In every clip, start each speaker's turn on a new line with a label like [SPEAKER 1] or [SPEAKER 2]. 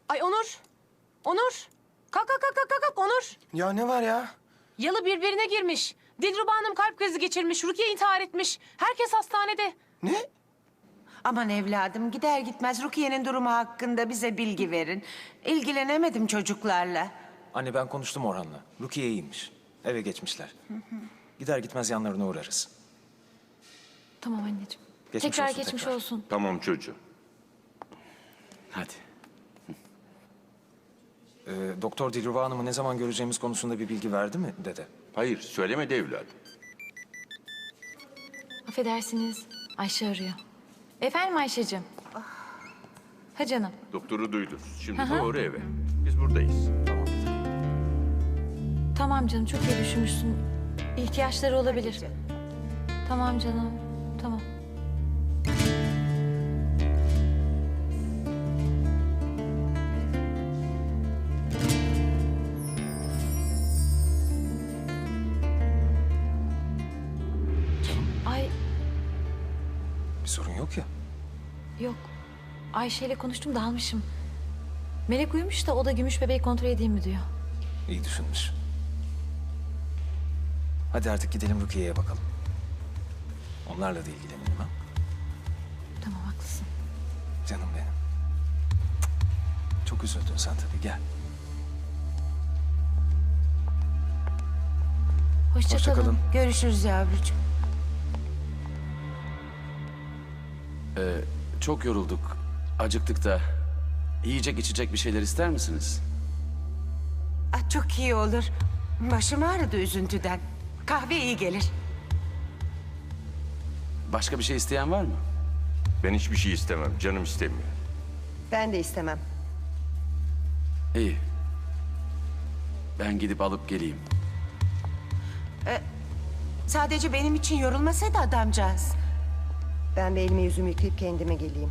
[SPEAKER 1] Ay Onur. Onur. Kalk kalk kalk kalk kalk Onur.
[SPEAKER 2] Ya ne var ya?
[SPEAKER 1] Yalı birbirine girmiş. Dilruba Hanım kalp krizi geçirmiş. Rukiye intihar etmiş. Herkes hastanede.
[SPEAKER 2] Ne?
[SPEAKER 3] Aman evladım, gider gitmez Rukiye'nin durumu hakkında bize bilgi verin. İlgilenemedim çocuklarla.
[SPEAKER 4] Anne ben konuştum Orhan'la. Rukiye iyiymiş. Eve geçmişler. Gider gitmez yanlarına uğrarız.
[SPEAKER 5] Tamam anneciğim.
[SPEAKER 4] Geçmiş
[SPEAKER 5] tekrar
[SPEAKER 4] olsun,
[SPEAKER 5] geçmiş
[SPEAKER 4] tekrar.
[SPEAKER 5] olsun.
[SPEAKER 6] Tamam çocuğum.
[SPEAKER 7] Hadi.
[SPEAKER 4] Doktor Dilruba Hanım'ı ne zaman göreceğimiz konusunda bir bilgi verdi mi dede?
[SPEAKER 6] Hayır, söylemedi evladım.
[SPEAKER 5] Affedersiniz. Ayşe arıyor. Efendim Ayşe'cim. Ha canım.
[SPEAKER 6] Doktoru duydunuz. Şimdi doğru eve. Biz buradayız.
[SPEAKER 4] Tamam.
[SPEAKER 5] Tamam canım, çok iyi düşünmüşsün. İhtiyaçları olabilir. Tamam canım. Tamam. Ay
[SPEAKER 4] Bir sorun yok ya.
[SPEAKER 5] yok. Ayşe ile konuştum, dalmışım. Melek uyumuş da o da gümüş bebeği kontrol edeyim mi diyor.
[SPEAKER 4] İyi düşünmüş. Hadi artık gidelim Rukiye'ye bakalım. Onlarla da ilgilenelim ha.
[SPEAKER 5] Tamam, haklısın.
[SPEAKER 4] Canım benim. Çok üzüldün sen tabii, gel.
[SPEAKER 5] Hoşça
[SPEAKER 4] Hoşça kalın.
[SPEAKER 5] kalın.
[SPEAKER 3] Görüşürüz yavrucuğum.
[SPEAKER 7] Çok yorulduk. Acıktık da. Yiyecek içecek bir şeyler ister misiniz?
[SPEAKER 3] Ah, çok iyi olur. Başım ağrıdı üzüntüden. Kahve iyi gelir.
[SPEAKER 7] Başka bir şey isteyen var mı?
[SPEAKER 6] Ben hiçbir şey istemem. Canım istemiyor.
[SPEAKER 8] Ben de istemem.
[SPEAKER 7] İyi. Ben gidip alıp geleyim.
[SPEAKER 3] Sadece benim için yorulmasaydı adamcağız.
[SPEAKER 8] Ben bir elimi yüzümü yıkayıp kendime geleyim.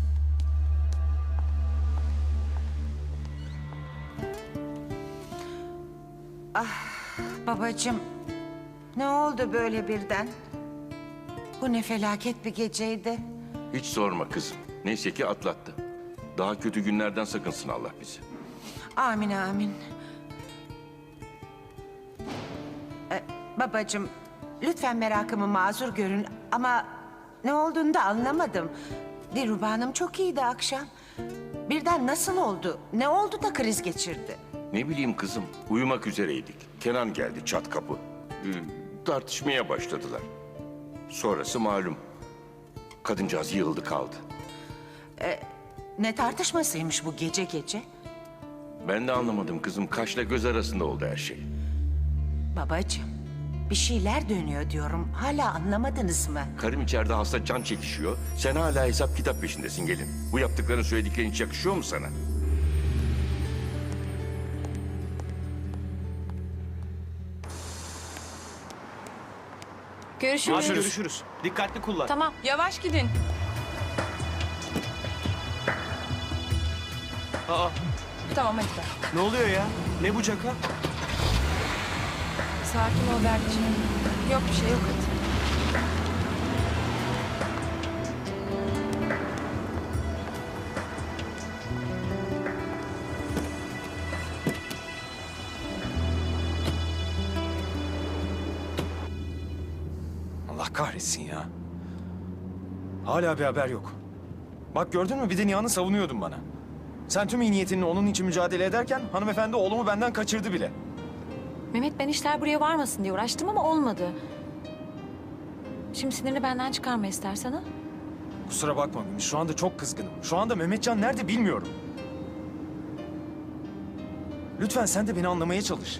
[SPEAKER 3] Babacığım, ne oldu böyle birden? Bu ne felaket bir geceydi.
[SPEAKER 6] Hiç sorma kızım. Neyse ki atlattı. Daha kötü günlerden sakınsın Allah bizi.
[SPEAKER 3] Amin amin. Babacığım, lütfen merakımı mazur görün ama ne olduğunu da anlamadım. Dilruba Hanım çok iyiydi akşam. Birden nasıl oldu? Ne oldu da kriz geçirdi?
[SPEAKER 6] Ne bileyim kızım. Uyumak üzereydik. Kenan geldi çat kapı. Tartışmaya başladılar. Sonrası malum. Kadıncağız yığıldı kaldı.
[SPEAKER 3] Ne tartışmasıymış bu gece gece?
[SPEAKER 6] Ben de anlamadım kızım. Kaşla göz arasında oldu her şey.
[SPEAKER 3] Babacığım, bir şeyler dönüyor diyorum. Hala anlamadınız mı?
[SPEAKER 6] Karım içeride hasta can çekişiyor. Sen hala hesap kitap peşindesin gelin. Bu yaptıkların söylediklerin hiç yakışıyor mu sana?
[SPEAKER 5] Görüşürüz.
[SPEAKER 2] Görüşürüz. Dikkatli kullan.
[SPEAKER 5] Tamam.
[SPEAKER 1] Yavaş gidin.
[SPEAKER 2] Aa,
[SPEAKER 1] Tamam hadi gel.
[SPEAKER 2] ne oluyor ya? Ne bu caka?
[SPEAKER 1] Sakin ol Berk'ciğim. Yok bir şey yok hadi.
[SPEAKER 4] Allah kahretsin ya. Hala bir haber yok. Bak gördün mü, bir de Nihan'ı savunuyordun bana. Sen tüm iyi niyetinle onun için mücadele ederken hanımefendi oğlumu benden kaçırdı bile.
[SPEAKER 5] Mehmet, ben işler buraya varmasın diye uğraştım ama olmadı. Şimdi sinirini benden çıkarma istersen ha.
[SPEAKER 4] Kusura bakma Gümüş, şu anda çok kızgınım. Şu anda Mehmetcan nerede bilmiyorum. Lütfen sen de beni anlamaya çalış.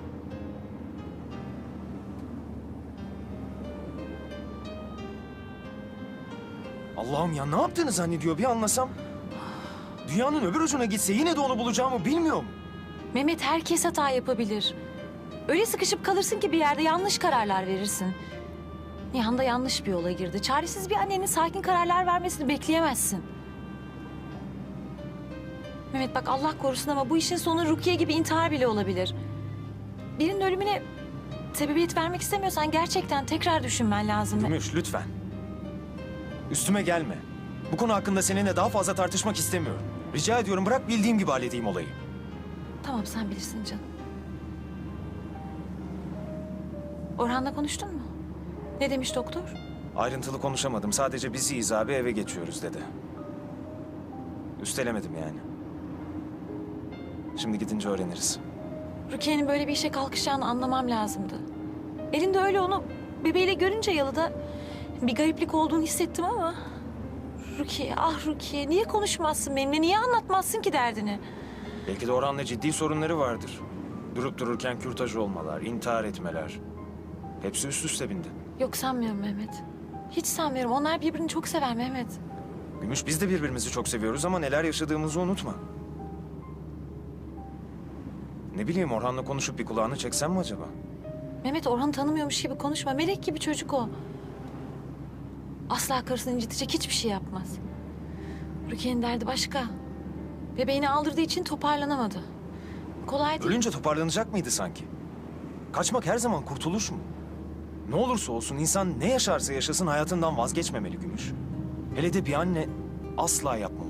[SPEAKER 4] Allah'ım ya, ne yaptığını zannediyor bir anlasam. Dünyanın öbür ucuna gitse yine de onu bulacağımı bilmiyor mu?
[SPEAKER 5] Mehmet, herkes hata yapabilir. Öyle sıkışıp kalırsın ki bir yerde yanlış kararlar verirsin. Nihan da yanlış bir yola girdi. Çaresiz bir annenin sakin kararlar vermesini bekleyemezsin. Mehmet bak, Allah korusun ama bu işin sonu Rukiye gibi intihar bile olabilir. Birinin ölümüne sebebiyet vermek istemiyorsan gerçekten tekrar düşünmen lazım.
[SPEAKER 4] Gümüş lütfen. Üstüme gelme. Bu konu hakkında seninle daha fazla tartışmak istemiyorum. Rica ediyorum bırak bildiğim gibi halledeyim olayı.
[SPEAKER 5] Tamam sen bilirsin canım. Orhan'la konuştun mu? Ne demiş doktor?
[SPEAKER 4] Ayrıntılı konuşamadım. Sadece biz iyiyiz abi, eve geçiyoruz dedi. Üstelemedim yani. Şimdi gidince öğreniriz.
[SPEAKER 5] Rukiye'nin böyle bir işe kalkışacağını anlamam lazımdı. Elinde öyle onu bebeğiyle görünce yalıda bir gariplik olduğunu hissettim ama... Rukiye, ah Rukiye, niye konuşmazsın benimle? Niye anlatmazsın ki derdini?
[SPEAKER 4] Belki de Orhan'la ciddi sorunları vardır. Durup dururken kürtaj olmalar, intihar etmeler. Hepsi üst üste bindi.
[SPEAKER 5] Yok sanmıyorum Mehmet. Hiç sanmıyorum. Onlar birbirini çok sever Mehmet.
[SPEAKER 4] Gümüş, biz de birbirimizi çok seviyoruz ama neler yaşadığımızı unutma. Ne bileyim, Orhan'la konuşup bir kulağını çeksem mi acaba?
[SPEAKER 5] Mehmet Orhan'ı tanımıyormuş gibi konuşma. Melek gibi çocuk o. Asla karısını incitecek hiçbir şey yapmaz. Rukiye'nin derdi başka. Bebeğini aldırdığı için toparlanamadı. Kolay değil.
[SPEAKER 4] Ölünce toparlanacak mıydı sanki? Kaçmak her zaman kurtuluş mu? Ne olursa olsun insan ne yaşarsa yaşasın hayatından vazgeçmemeli Gümüş. Hele de bir anne asla yapmamalı.